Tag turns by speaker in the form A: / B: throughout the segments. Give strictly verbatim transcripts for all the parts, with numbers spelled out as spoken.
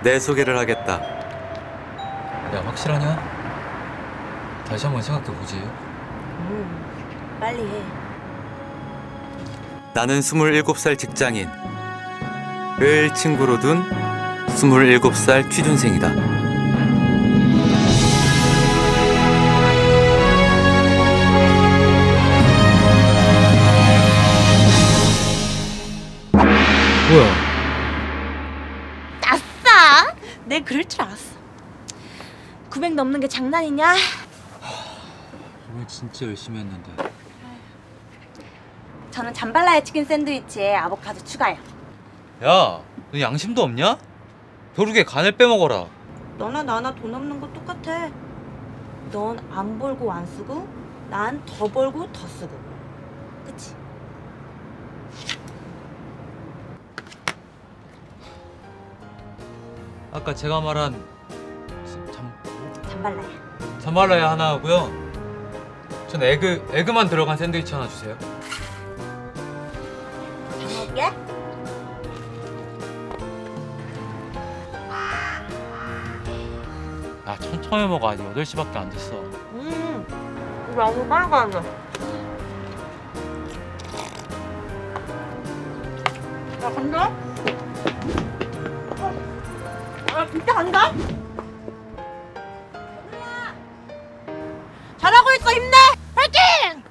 A: 내 소개를 하겠다.
B: 야, 확실하냐? 다시 한번 생각해보지.
C: 음, 빨리 해.
A: 나는 스물일곱 살 직장인, 을 친구로 둔 스물일곱 살 취준생이다.
B: 뭐야?
C: 아싸! 내 그럴 줄 알았어. 구백 넘는 게 장난이냐?
B: 오늘 진짜 열심히 했는데.
C: 저는 잠발라야 치킨 샌드위치에 아보카도 추가요.
B: 야, 너 양심도 없냐? 벼룩에 간을 빼먹어라.
C: 너나 나나 돈 없는 거 똑같아. 넌 안 벌고 안 쓰고, 난 더 벌고 더 쓰고. 그치?
B: 아까 제가 말한 잠
C: 잠발라야.
B: 잠발라야 하나 하고요. 전 에그 에그만 들어간 샌드위치 하나 주세요.
C: 잘 먹을게.
B: 야, 천천히 먹어. 아직 여덟 시밖에 안 됐어.
C: 음, 너무 빨리 가네. 야, 간다? 어, 아, 진짜 간다? 잘하고 있어, 힘내! 파이팅!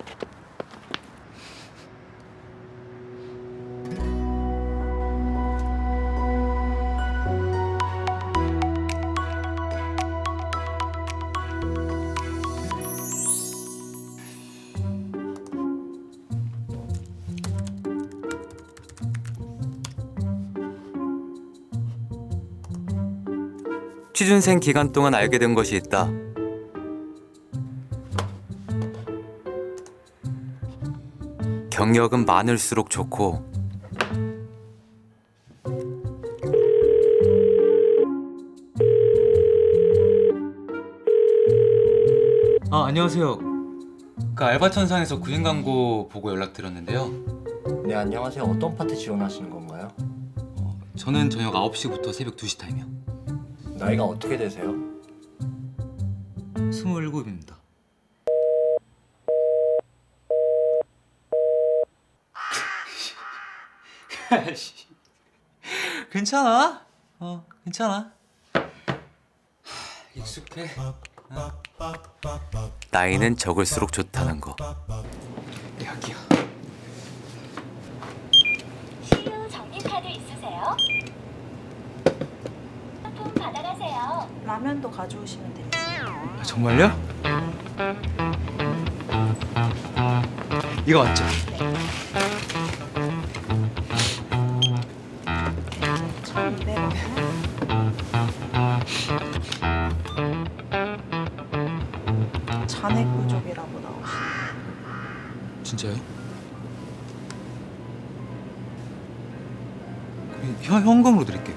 A: 취준생 기간 동안 알게 된 것이 있다. 경력은 많을수록 좋고
B: 아, 안녕하세요. 그 알바천상에서 구인 광고 보고 연락드렸는데요.
D: 네, 안녕하세요. 어떤 파트 지원하시는 건가요?
B: 저는 저녁 아홉 시부터 새벽 두 시 타임이요.
D: 나이가 어떻게 되세요?
B: 스물일곱입니다. 괜찮아? 어, 괜찮아. 익숙해.
A: 나이는 적을수록 좋다는 거.
B: 여기요.
E: 신유 정리카드 있으세요? 상품 받아가세요.
C: 라면도 가져오시면 돼요.
B: 아, 정말요? 이거 맞죠?
C: 천이백 원. 잔액 부족이라고 나오시네요.
B: 진짜요? 그럼 현, 현금으로 드릴게요.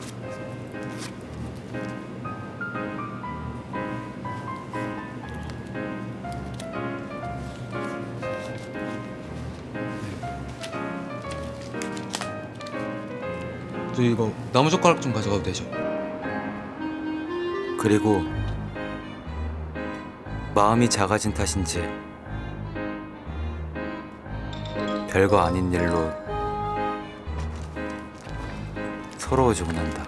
B: 저 이거 나무젓가락 좀 가져가도 되죠?
A: 그리고 마음이 작아진 탓인지 별거 아닌 일로 서러워지곤 한다.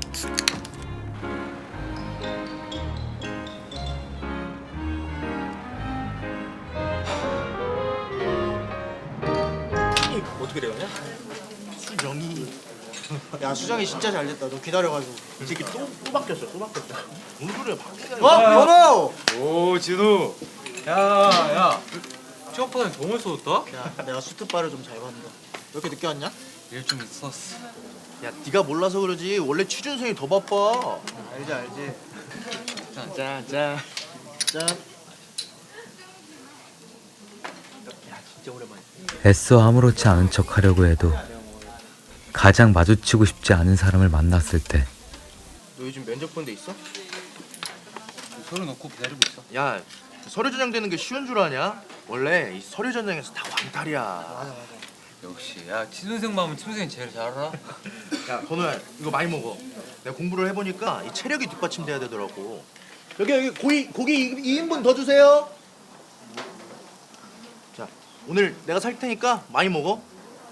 F: 어떻게 되었냐? 수정이. 야, 수정이 진짜 잘 됐다. 너 기다려가지고. 이 새끼 또, 또 바뀌었어. 또 바뀌었다. 무슨 소리야? 바뀌었어. 어? 번호!
B: 오, 진우. 야, 야. 취업하다니 너무 쏟았다?
F: 야, 내가 수트바를 좀 잘 봤는데. 왜 이렇게 늦게 왔냐?
B: 일 좀 있었어.
F: 야, 네가 몰라서 그러지. 원래 취준생이 더 바빠. 알지, 알지. 짠, 짠, 짠. 짠. 야, 진짜 오랜만이야.
A: 애써 아무렇지 않은 척 하려고 해도 가장 마주치고 싶지 않은 사람을 만났을 때
F: 너 요즘 면접 본 데 있어?
B: 서류 넣고 기다리고 있어.
F: 야, 서류 전형되는 게 쉬운 줄 아냐? 원래 이 서류 전형에서 다 왕탈이야. 맞아, 맞아.
B: 역시 야 친동생 마음은 친동생이 제일 잘 알아.
F: 야 건우야 이거 많이 먹어. 내가 공부를 해보니까 이 체력이 뒷받침돼야 되더라고. 여기 여기 고기 고기 이 인분 더 주세요. 자 오늘 내가 살 테니까 많이 먹어.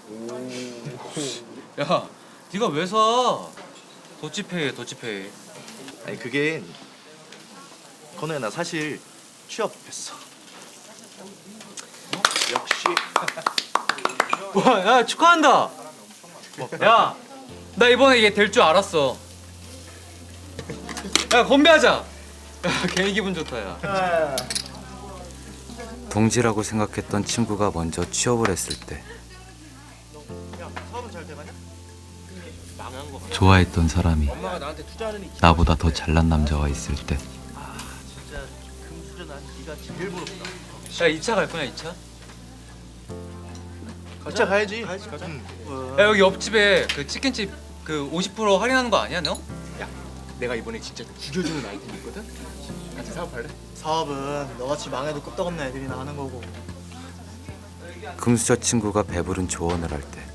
B: 야 네가 왜 사? 도치페이 도치페이.
F: 아니 그게 건우야 나 사실 취업했어. 역시.
B: 와, 야 축하한다. 야, 나 이번에 이게 될 줄 알았어. 야 건배하자. 야 괜히 기분 좋다 야.
A: 동지라고 생각했던 친구가 먼저 취업을 했을 때
F: 야 사업은 잘 돼가냐? 망한 거 같아.
A: 좋아했던 사람이
F: 엄마가 나한테 투자하는 이
A: 나보다 더 잘난 남자와 있을 때
F: 진짜 금수저난 네가 제일 부럽다.
B: 야 이 차 갈 거냐 이 차?
F: 가자 가야지. 가야지 가자. 응.
B: 야 여기 옆집에 그 치킨집 그 오십 퍼센트 할인하는 거 아니야 너?
G: 내가 이번에 진짜 죽여주는 아이템 있거든? 같이 사업할래?
F: 사업은 너같이 망해도 끄떡없는 애들이나 하는 거고.
A: 금수저 친구가 배부른 조언을 할 때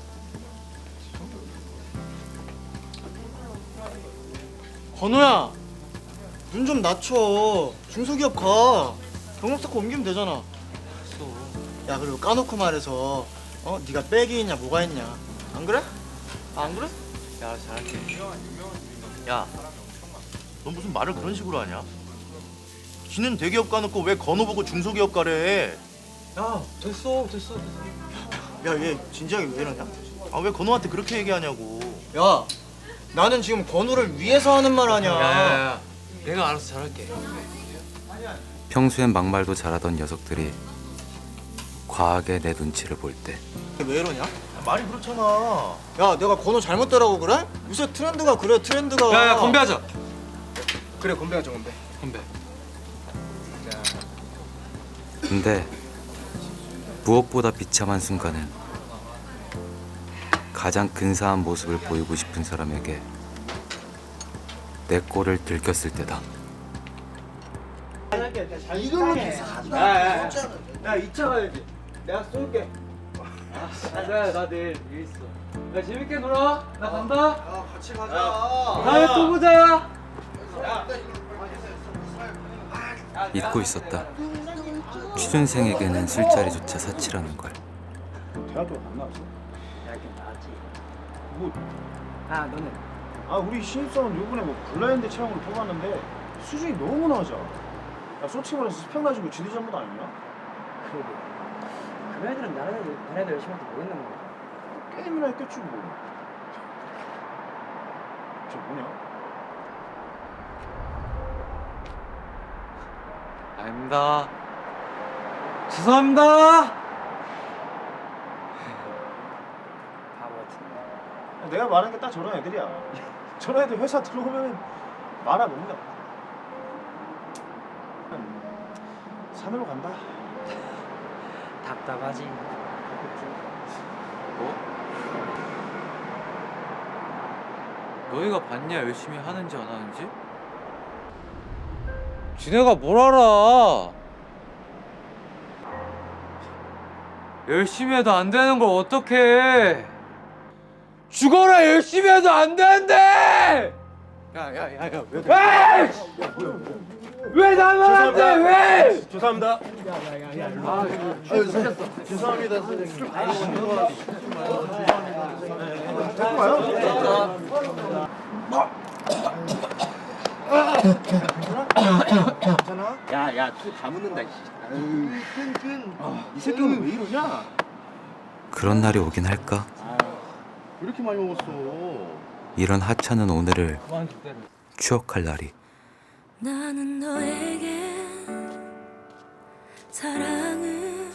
F: 건우야 눈 좀 낮춰. 중소기업 가. 경력 쌓고 옮기면 되잖아. 야 그리고 까놓고 말해서 어 네가 백이 있냐 뭐가 있냐 안 그래? 아, 안 그래?
B: 야 잘할게.
F: 야, 넌 무슨 말을 그런 식으로 하냐? 지는 대기업 가놓고 왜 건우 보고 중소기업 가래?
B: 야 됐어 됐어 됐어.
F: 야, 얘 진지하게 왜 이러냐? 아, 왜 건우한테 그렇게 얘기하냐고. 야, 나는 지금 건우를 위해서 하는 말 아니야.
B: 야야야 내가 알아서 잘할게.
A: 평소엔 막말도 잘하던 녀석들이 과하게 내 눈치를 볼 때
F: 왜 이러냐? 말이 그렇잖아. 야, 내가 건우 잘못 따라고 그래? 요새 트렌드가 그래, 트렌드가.
B: 야야 건배하자.
G: 그래 건배하자 건배.
B: 건배.
A: 근데 무엇보다 비참한 순간은 가장 근사한 모습을 보이고 싶은 사람에게 내 꼴을 들켰을 때다.
F: 이걸로 계속
B: 야야야 야 이 차 가야지. 내가 쏠게. 아, 나 내일 일 있어. 야 재밌게 놀아. 나 간다.
F: 야, 같이 가자.
B: 다음에 또 보자.
A: 잊고 있었다. 취준생에게는 술자리조차 사치라는 걸.
H: 대학교 안 나왔어? 대학교 나왔지. 뭐? 아 너는? 아 우리 신입사원 요번에 뭐 블라인드 채용으로 뽑았는데 수준이 너무 낮아. 야 솔직히 말해서 스펙 낮은 거 지네 잘못 아니냐?
I: 그러게. 그 애들은 나라도 나라도 열심히 할지 모르겠는 거야.
H: 게임이나 했겠지 뭐. 저 뭐냐?
B: 아닙니다. 죄송합니다.
I: 바보 같은.
H: 내가 말하는 게 딱 저런 애들이야. 저런 애들 회사 들어오면 말아 먹는다. 산으로 간다.
I: 답답하지.
B: 뭐? 너희가 봤냐 열심히 하는지 안 하는지? 지네가 뭘 알아? 열심히 해도 안 되는 걸 어떡해? 죽어라 열심히 해도 안 되는데!
H: 야야야야 왜?
B: 왜? 왜 나만 안 돼? 왜?
H: 죄송합니다.
F: 죄송합니다, 선생님.
H: 데리고 와요. 괜찮아?
G: 야야 또다 묻는다.
H: 이 새끼 오늘 왜 이러냐?
A: 그런 날이 오긴 할까?
F: 왜 이렇게 많이 먹었어?
A: 이런 하찮은 오늘을 추억할 날이
C: 나는 너에게 사랑을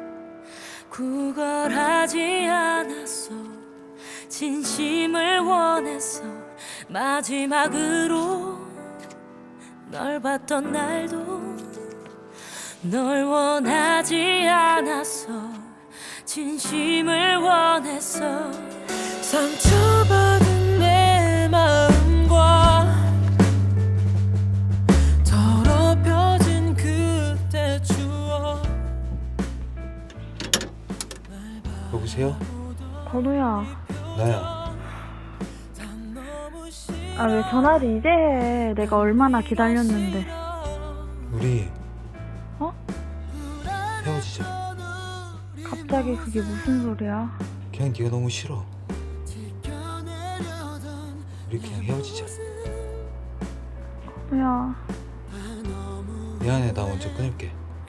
C: 구걸하지 않았어. 진심을 원했어. 마지막으로 널 봤던 날도 널 원하지 않았어. 진심을 원했어. 상처받은 내 마음과 더럽혀진 그때 추억.
B: 여보세요?
J: 아, 왜 전화를 이제 해? 내가 얼마나 기다렸는데.
K: 우리
J: 어?
K: 헤어지자.
J: 갑자기 그게 무슨 소리야?
K: 그냥 네가 너무 싫어. 우리 그냥 헤어지자.
J: 야,
K: 미안해, 나 먼저 끊을게.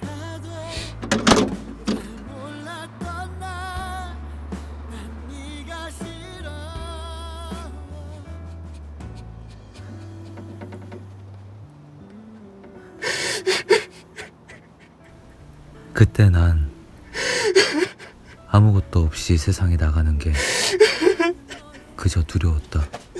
A: 그때 난 아무것도 없이 세상에 나가는 게 그저 두려웠다.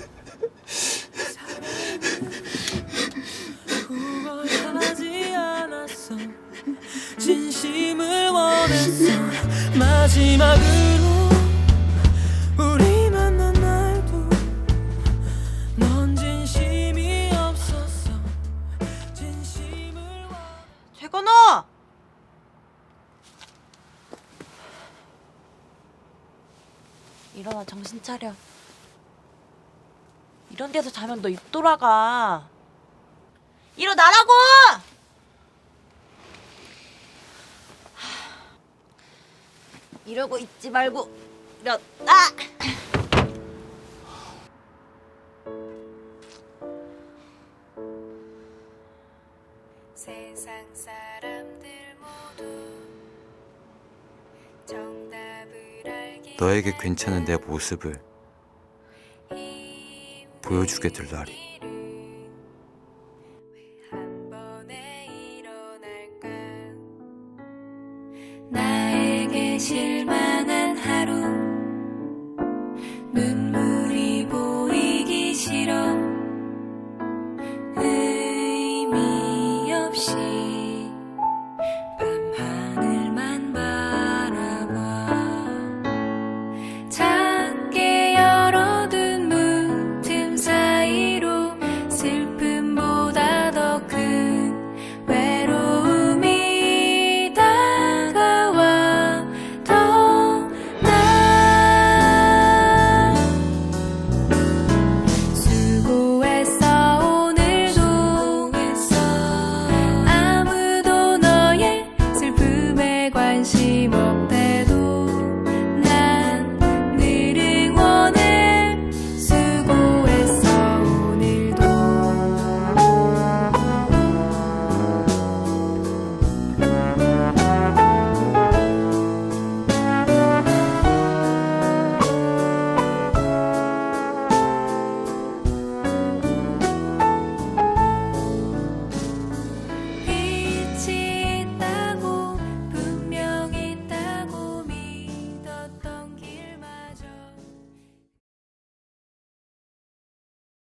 L: 진심을 원했어. 마지막으로 우리 만난 날도 넌 진심이 없었어. 진심을
C: 최건호! 일어나, 정신 차려. 이런 데서 자면 너 입 돌아가. 일어나라고! 이러고 있지 말고 일어나!
E: 세상 사람들 모두 정답을 알기
A: 너에게 괜찮은 내 모습을 보여주게 될 날이